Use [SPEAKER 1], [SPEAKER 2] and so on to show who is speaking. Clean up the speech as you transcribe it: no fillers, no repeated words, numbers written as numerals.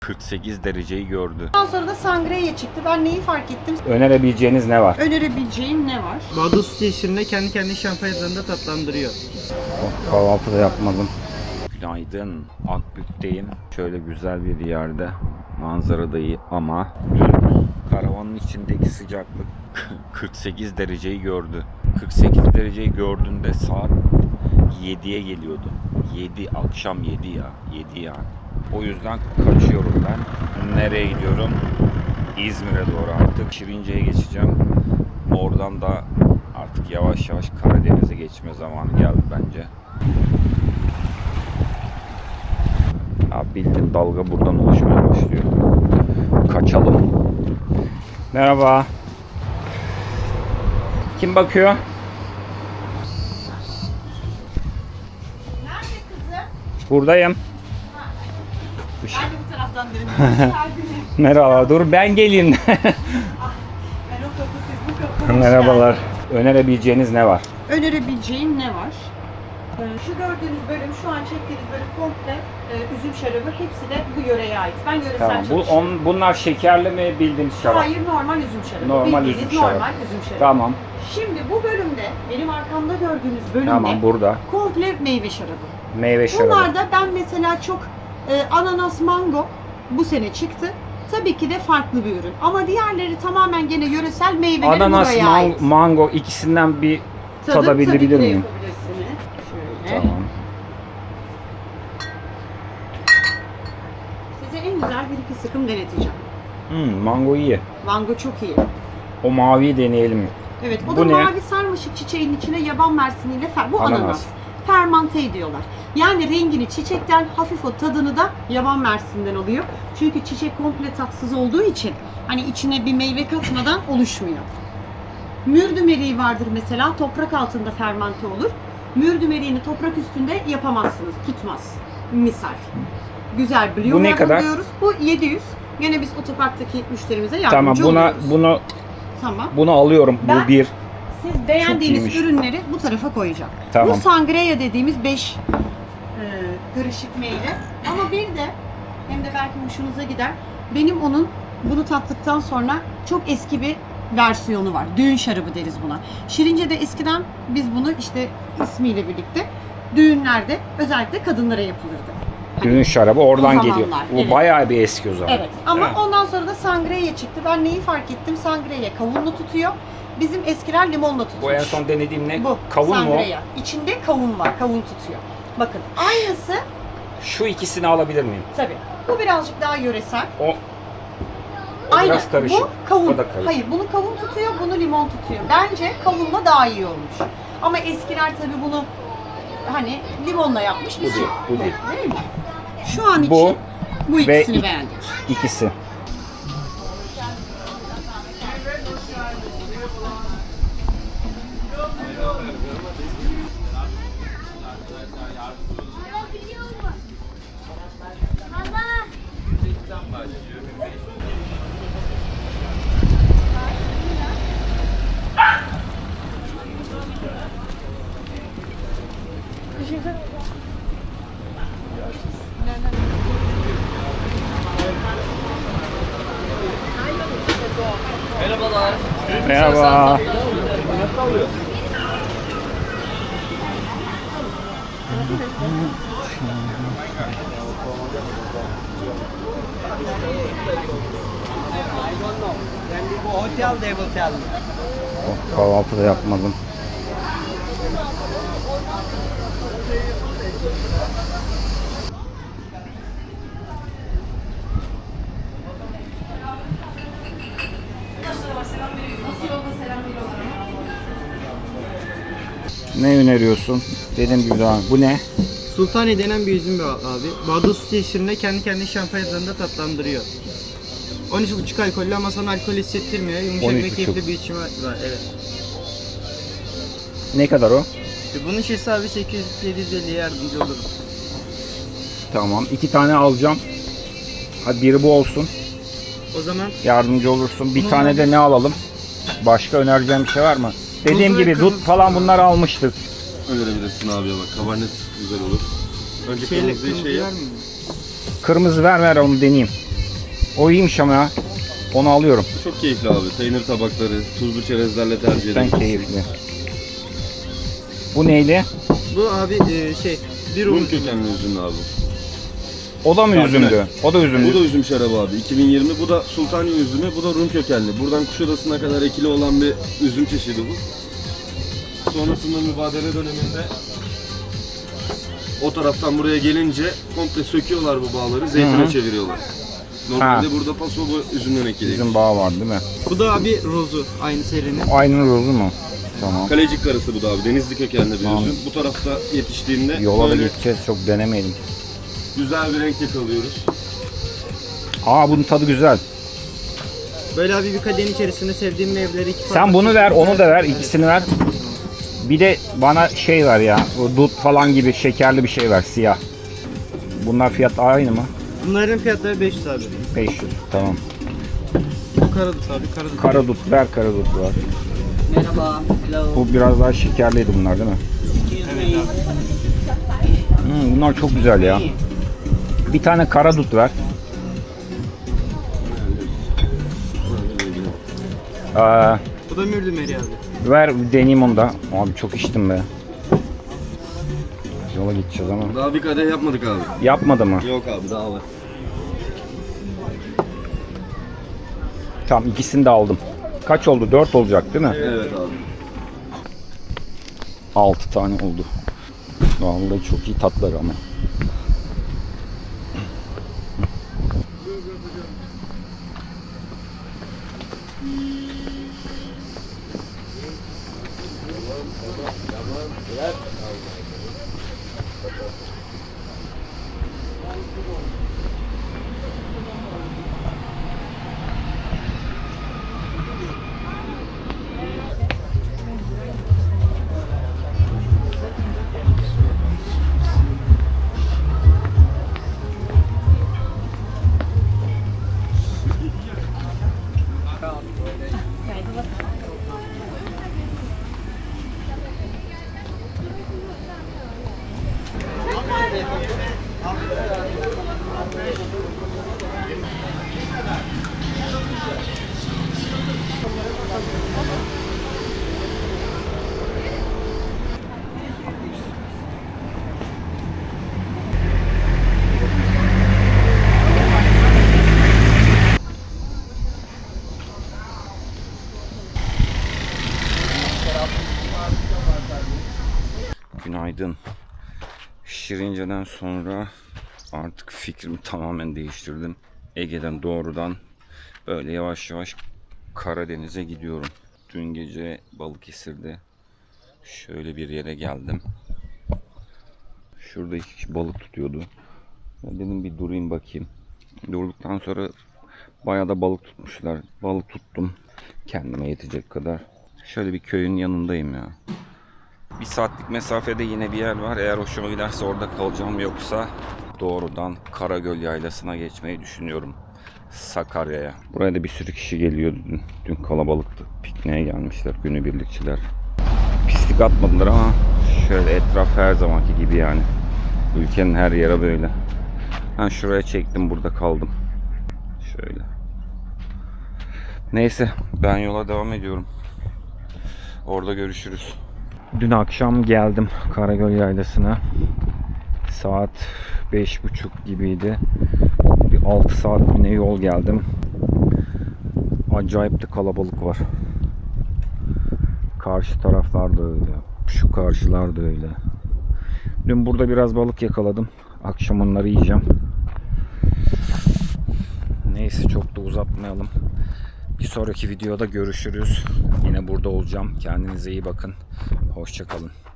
[SPEAKER 1] 48 dereceyi gördü.
[SPEAKER 2] Ondan sonra da Sangria çıktı. Ben neyi fark ettim?
[SPEAKER 1] Önerebileceğiniz ne var?
[SPEAKER 2] Önerebileceğim ne var?
[SPEAKER 3] Badus sesinde kendi kendine şampanyalarında tatlandırıyor.
[SPEAKER 1] Kahvaltı da yapmadım. Günaydın. Akbük'teyim. Şöyle güzel bir yerde. Manzara da iyi ama dün karavanın içindeki sıcaklık 48 dereceyi gördü. 48 dereceyi gördüğünde saat 7'ye geliyordu. 7 akşam 7 ya. 7 yani. O yüzden kaçıyorum ben. Nereye gidiyorum? İzmir'e doğru artık. Şirince'ye geçeceğim. Oradan da artık yavaş yavaş Karadeniz'e geçme zamanı geldi bence. Ya bildiğin dalga buradan oluşmaya başlıyor. Kaçalım. Merhaba. Kim bakıyor?
[SPEAKER 2] Nerede kızım?
[SPEAKER 1] Buradayım.
[SPEAKER 2] Ben de bu taraftan dönüyorum.
[SPEAKER 1] Merhaba. Dur ben geleyim.
[SPEAKER 2] Ben o kapı, siz bu kapı.
[SPEAKER 1] Merhabalar. Önerebileceğiniz ne var?
[SPEAKER 2] Önerebileceğim ne var? Şu gördüğünüz bölüm, şu an çektiğiniz bölüm komple üzüm şarabı. Hepsi de bu yöreye ait. Ben yöresel
[SPEAKER 1] Tamam.
[SPEAKER 2] çalışıyorum.
[SPEAKER 1] Bunlar şekerli mi bildiğimiz şarap?
[SPEAKER 2] Hayır, normal üzüm şarabı.
[SPEAKER 1] Normal
[SPEAKER 2] Bildiğiniz
[SPEAKER 1] üzüm şarabı.
[SPEAKER 2] normal üzüm şarabı.
[SPEAKER 1] Tamam.
[SPEAKER 2] Şimdi bu bölümde, benim arkamda gördüğünüz bölümde
[SPEAKER 1] Tamam burada.
[SPEAKER 2] komple meyve şarabı.
[SPEAKER 1] Meyve şarabı.
[SPEAKER 2] Bunlarda ben mesela çok ananas, mango bu sene çıktı. Tabii ki de farklı bir ürün. Ama diğerleri tamamen gene yöresel meyveleri
[SPEAKER 1] Ananas,
[SPEAKER 2] buraya ait.
[SPEAKER 1] mango ikisinden bir
[SPEAKER 2] Tabii
[SPEAKER 1] tadabilir
[SPEAKER 2] ki de
[SPEAKER 1] miyim?
[SPEAKER 2] yapabilirsiniz. Şöyle.
[SPEAKER 1] Tamam.
[SPEAKER 2] Size en güzel bir iki sıkım deneteceğim.
[SPEAKER 1] Mango iyi.
[SPEAKER 2] Mango çok iyi.
[SPEAKER 1] O maviyi deneyelim.
[SPEAKER 2] Evet, o
[SPEAKER 1] Bu
[SPEAKER 2] da
[SPEAKER 1] ne?
[SPEAKER 2] mavi sarmaşık çiçeğin içine yaban mersiniyle bu
[SPEAKER 1] Ananas.
[SPEAKER 2] ananas. Fermante ediyorlar. Yani rengini çiçekten, hafif o tadını da yaban mersinden alıyor. Çünkü çiçek komple tatsız olduğu için hani içine bir meyve katmadan oluşmuyor. Mürdümeriği vardır mesela, toprak altında fermante olur. Mürdümeriğini toprak üstünde yapamazsınız, tutmaz. Misal. Güzel Blue
[SPEAKER 1] Bu ne
[SPEAKER 2] Label
[SPEAKER 1] kadar?
[SPEAKER 2] diyoruz. Bu 700. Gene biz otoparktaki müşterimize yardımcı
[SPEAKER 1] Tamam
[SPEAKER 2] oluyoruz. Tamam.
[SPEAKER 1] bunu alıyorum.
[SPEAKER 2] Ben-
[SPEAKER 1] Bu bir.
[SPEAKER 2] Siz beğendiğiniz
[SPEAKER 1] iyiymiş.
[SPEAKER 2] ürünleri bu tarafa koyacağım.
[SPEAKER 1] Tamam.
[SPEAKER 2] Bu Sangria dediğimiz 5 karışık meyve. Ama bir de hem de belki hoşunuza gider. Benim bunu tattıktan sonra çok eski bir versiyonu var. Düğün şarabı deriz buna. Şirince'de eskiden biz bunu işte ismiyle birlikte düğünlerde özellikle kadınlara yapılırdı. Hani
[SPEAKER 1] Düğün şarabı oradan
[SPEAKER 2] o
[SPEAKER 1] geliyor.
[SPEAKER 2] zamanlar,
[SPEAKER 1] Bu
[SPEAKER 2] evet.
[SPEAKER 1] bayağı bir eski o zaman.
[SPEAKER 2] Evet ama
[SPEAKER 1] Evet.
[SPEAKER 2] ondan sonra da Sangria çıktı. Ben neyi fark ettim? Sangria kavunlu tutuyor. Bizim eskiler limonla tutmuş.
[SPEAKER 1] Bu en son denediğim ne?
[SPEAKER 2] Bu
[SPEAKER 1] Kavun mu?
[SPEAKER 2] Sangria. İçinde kavun var. Kavun tutuyor. Bakın aynısı
[SPEAKER 1] Şu ikisini alabilir miyim?
[SPEAKER 2] tabii. Bu birazcık daha yöresel.
[SPEAKER 1] O
[SPEAKER 2] Aynı.
[SPEAKER 1] biraz karışık.
[SPEAKER 2] Bu kavun.
[SPEAKER 1] O da karışık.
[SPEAKER 2] Hayır, bunu kavun tutuyor, bunu limon tutuyor. Bence kavunla daha iyi olmuş. Ama eskiler tabii bunu hani limonla yapmış.
[SPEAKER 1] Bu değil, bu değil.
[SPEAKER 2] Değil mi? Şu an
[SPEAKER 1] Bu
[SPEAKER 2] için bu
[SPEAKER 1] ve
[SPEAKER 2] ikisini beğendik.
[SPEAKER 1] İkisi. Merhaba.
[SPEAKER 3] Hotel de hotel.
[SPEAKER 1] Kahvaltı da yapmadım. Ne öneriyorsun? Dediğim gibi daha. Bu ne?
[SPEAKER 3] Sultani denen bir üzüm abi. Badus sesinde kendi kendine şampanyalarında tatlandırıyor. 13,5 alkollü ama sana alkol hissettirmiyor. Yumuşak ve
[SPEAKER 1] 13,5.
[SPEAKER 3] keyifli bir içimi var. Evet.
[SPEAKER 1] Ne kadar o?
[SPEAKER 3] Bunun şişesi abi 800-750'ye yardımcı olurum.
[SPEAKER 1] Tamam. 2 tane alacağım. Hadi biri bu olsun.
[SPEAKER 3] O zaman
[SPEAKER 1] Yardımcı olursun. Bir
[SPEAKER 3] Bunu
[SPEAKER 1] tane de ne alalım? Başka önereceğim bir şey var mı? Dediğim
[SPEAKER 3] Tuz ve
[SPEAKER 1] gibi
[SPEAKER 3] kırmızı
[SPEAKER 1] dut falan bunları almıştık.
[SPEAKER 4] Önerebilirsin abi ya bak. Kabarnet güzel olur. Önce
[SPEAKER 3] şeyle
[SPEAKER 4] kırmızıyı
[SPEAKER 3] kırmızı
[SPEAKER 4] şey yap.
[SPEAKER 3] var mı?
[SPEAKER 1] Kırmızı ver onu deneyeyim. O iyiymiş ama ya. Onu alıyorum.
[SPEAKER 4] Çok keyifli abi. Peynir tabakları, tuzlu çerezlerle tercih
[SPEAKER 1] Ben
[SPEAKER 4] ederim.
[SPEAKER 1] keyifli. Bu neyli?
[SPEAKER 3] Bu abi bir
[SPEAKER 4] Rum
[SPEAKER 3] Rum
[SPEAKER 4] kökenli üzümlü abi.
[SPEAKER 1] O da mı
[SPEAKER 4] Kardinal.
[SPEAKER 1] üzümdü? O da
[SPEAKER 4] Bu
[SPEAKER 1] üzümdü.
[SPEAKER 4] da üzüm şarabı abi. 2020 bu da Sultaniye üzümü, bu da Rum kökenli. Buradan Kuşadası'na kadar ekili olan bir üzüm çeşidi bu. Sonrasında mübadele döneminde o taraftan buraya gelince komple söküyorlar bu bağları, zeytine çeviriyorlar. Normalde burada paso bu üzümden ekili.
[SPEAKER 1] Bizim bağ var değil mi?
[SPEAKER 3] Bu da abi rozu aynı serinin.
[SPEAKER 1] Aynı rozu mu? Tamam.
[SPEAKER 4] Kalecik karısı bu da abi. Denizli kökenli bir
[SPEAKER 1] Tamam.
[SPEAKER 4] üzüm. Bu tarafta yetiştiğinde
[SPEAKER 1] Yola da
[SPEAKER 4] böyle
[SPEAKER 1] gideceğiz. Çok denemeyelim.
[SPEAKER 4] güzel bir renk yakalıyoruz.
[SPEAKER 1] Aa bunun tadı güzel.
[SPEAKER 3] Böyle abi bir kadehin içerisinde sevdiğim meyveleri iki
[SPEAKER 1] Sen bunu ver, onu da ver. İkisini ver. Bir de bana şey ver ya. Bu dut falan gibi şekerli bir şey ver. Siyah. Bunlar fiyat aynı mı?
[SPEAKER 3] Bunların fiyatları 500 abi.
[SPEAKER 1] 500. Tamam.
[SPEAKER 3] Bu karadut abi, karadut.
[SPEAKER 1] Karadut ver, karadut var.
[SPEAKER 2] Merhaba. Hello.
[SPEAKER 1] Bu biraz daha şekerliydi bunlar değil mi?
[SPEAKER 3] Evet abi.
[SPEAKER 1] Bunlar çok güzel ya. Bir tane karadut ver.
[SPEAKER 3] Bu da mürdümeri abi.
[SPEAKER 1] Ver deneyeyim onu da. Abi çok içtim be. Yola gideceğiz ama.
[SPEAKER 4] Daha bir kadeh yapmadık abi.
[SPEAKER 1] Yapmadı mı?
[SPEAKER 4] Yok abi daha var.
[SPEAKER 1] Tamam ikisini de aldım. Kaç oldu? 4 olacak değil mi?
[SPEAKER 4] Evet abi.
[SPEAKER 1] 6 tane oldu. Vallahi çok iyi tatları ama. Günaydın. Şirince'den sonra artık fikrimi tamamen değiştirdim. Ege'den doğrudan böyle yavaş yavaş Karadeniz'e gidiyorum. Dün gece Balıkesir'de şöyle bir yere geldim. Şurada 2 kişi balık tutuyordu. Ben dedim bir durayım bakayım. Durduktan sonra bayağı da balık tutmuşlar. Balık tuttum. Kendime yetecek kadar. Şöyle bir köyün yanındayım ya. Bir saatlik mesafede yine bir yer var. Eğer hoşuma giderse orada kalacağım. Yoksa doğrudan Karagöl Yaylası'na geçmeyi düşünüyorum. Sakarya'ya. Buraya da bir sürü kişi geliyordu dün. Dün kalabalıktı. Pikniğe gelmişler günübirlikçiler. Pislik atmadılar ama şöyle etraf her zamanki gibi yani. Ülkenin her yere böyle. Ben şuraya çektim, burada kaldım. Şöyle. Neyse ben yola devam ediyorum. Orada görüşürüz. Dün akşam geldim Karagöl Yaylası'na. Saat 5:30 gibiydi. Bir 6 saat yine yol geldim. Acayip de kalabalık var. Karşı taraflar da öyle. Şu karşılar da öyle. Dün burada biraz balık yakaladım. Akşam onları yiyeceğim. Neyse çok da uzatmayalım. Bir sonraki videoda görüşürüz. Yine burada olacağım. Kendinize iyi bakın. Hoşça kalın.